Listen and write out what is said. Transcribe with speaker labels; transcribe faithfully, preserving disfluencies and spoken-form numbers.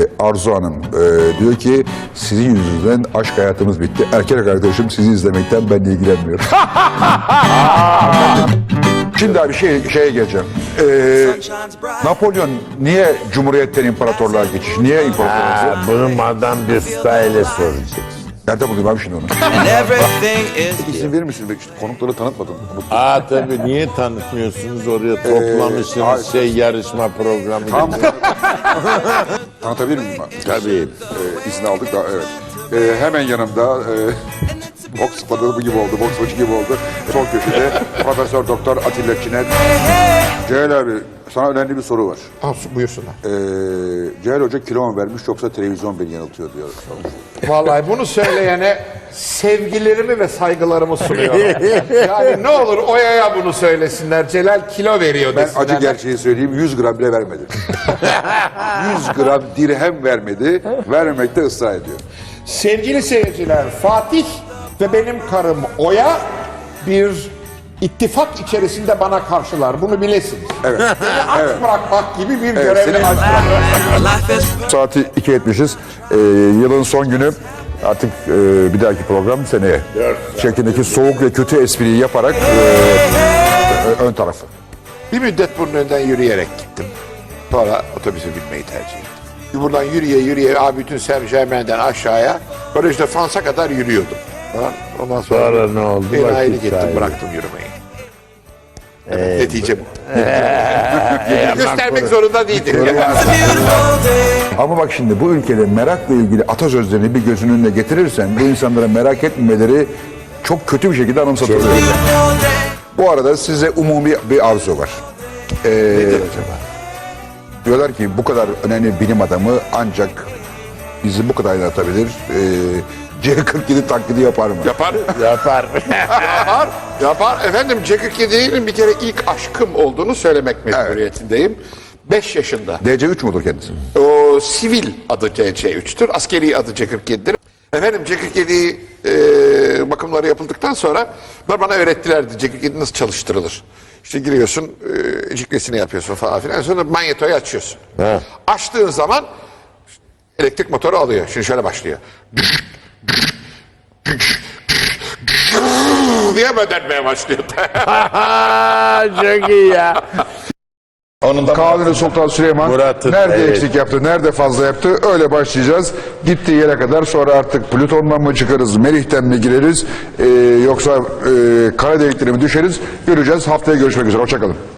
Speaker 1: Arzu Hanım e, diyor ki sizin yüzünüzden aşk hayatımız bitti. Erkek arkadaşım sizi izlemekten ben ilgilenmiyorum. Şimdi abi şey, şeye geleceğim. Ee, Napolyon niye Cumhuriyet'ten imparatorluğa geçiş? Niye imparatorluğa?
Speaker 2: Ha, bunu Madame Büstay'le soracaksın.
Speaker 1: Nerede bulayım abi şimdi onu? İzin verir misiniz? İşte konukları tanıtmadım.
Speaker 2: Aa tabii niye tanıtmıyorsunuz oraya toplamışsınız
Speaker 1: Ee,
Speaker 2: şey yarışma programı.
Speaker 1: Tamam.
Speaker 2: gibi.
Speaker 1: Tanıtabilir miyim ben?
Speaker 2: Tabii.
Speaker 1: Ee, izin aldık da evet. Ee, hemen yanımda e, boks adamı gibi oldu, boks maçı gibi oldu. Sol köşede Profesör Doktor Atilla Çiner. Ceyl abi sana önemli bir soru var.
Speaker 3: Al, buyursunlar.
Speaker 1: Ee, Ceyl Hoca kilo mu vermiş yoksa televizyon beni yanıltıyor diyor.
Speaker 3: Vallahi bunu söyleyene sevgilerimi ve saygılarımı sunuyorum. Yani ne olur Oya'ya bunu söylesinler. Celal kilo veriyor
Speaker 1: Ben
Speaker 3: desinler.
Speaker 1: acı gerçeği söyleyeyim, yüz gram bile vermedi. yüz gram dirhem vermedi, vermemekte ısrar ediyor.
Speaker 3: Sevgili seyirciler, Fatih ve benim karım Oya bir ittifak içerisinde bana karşılar. Bunu bilesiniz.
Speaker 1: Evet.
Speaker 3: Beni aç
Speaker 1: Evet.
Speaker 3: bırakmak gibi bir
Speaker 1: Evet,
Speaker 3: görevim
Speaker 1: seni aç
Speaker 3: var.
Speaker 1: Saati iki etmişiz. Ee, yılın son günü artık e, bir dahaki program seneye. Şeklindeki soğuk ve kötü espriyi yaparak e, ön tarafı.
Speaker 3: Bir müddet bunun önünden yürüyerek gittim. Sonra otobüse binmeyi tercih ettim. Buradan yürüye yürüye abi bütün Saint Germain'den aşağıya Baraj de Fransa kadar yürüyordum. Falan. Ondan sonra,
Speaker 2: Sonra ne oldu?
Speaker 3: Bir
Speaker 2: Vakit
Speaker 3: aile gittim,
Speaker 2: kaybı.
Speaker 3: bıraktım yürümeyi. Evet, netice bu.
Speaker 2: Ee,
Speaker 3: Göstermek zorunda değildim.
Speaker 1: Ama bak şimdi bu ülkede merakla ilgili atasözlerini bir gözünün önüne getirirsen bu insanlara merak etmemeleri çok kötü bir şekilde anımsatılıyor. Bu arada size umumi bir arzu var. Ee,
Speaker 3: Nedir acaba?
Speaker 1: Diyorlar ki bu kadar önemli bilim adamı ancak bizi bu kadar aydınlatabilir. Ee, C kırk yedi taklidi yapar mı?
Speaker 3: Yapar.
Speaker 2: Yapar.
Speaker 3: Yapar. Yapar. Efendim C kırk yedi'nin bir kere ilk aşkım olduğunu söylemek mecburiyetindeyim. beş yaşında.
Speaker 1: D C üç mudur kendisi?
Speaker 3: O sivil adı D C üç'tür. Askeri adı C kırk yedi'dir. Efendim C kırk yedi e, bakımları yapıldıktan sonra bana öğrettilerdi C kırk yedi nasıl çalıştırılır. İşte giriyorsun, e, cikresini yapıyorsun falan filan. Sonra manyetoyu açıyorsun.
Speaker 2: He.
Speaker 3: Açtığın zaman elektrik motoru alıyor. Şimdi şöyle başlıyor. diye dönmeye başlıyor.
Speaker 2: Çok iyi ya.
Speaker 1: Kanuni Sultan Süleyman
Speaker 2: Murat'ın,
Speaker 1: nerede
Speaker 2: evet.
Speaker 1: eksik yaptı, nerede fazla yaptı öyle başlayacağız. Gittiği yere kadar sonra artık Plüton'dan mı çıkarız, Merih'ten mi gireriz e, yoksa e, kara deliklerine mi düşeriz göreceğiz. Haftaya görüşmek üzere, hoşçakalın.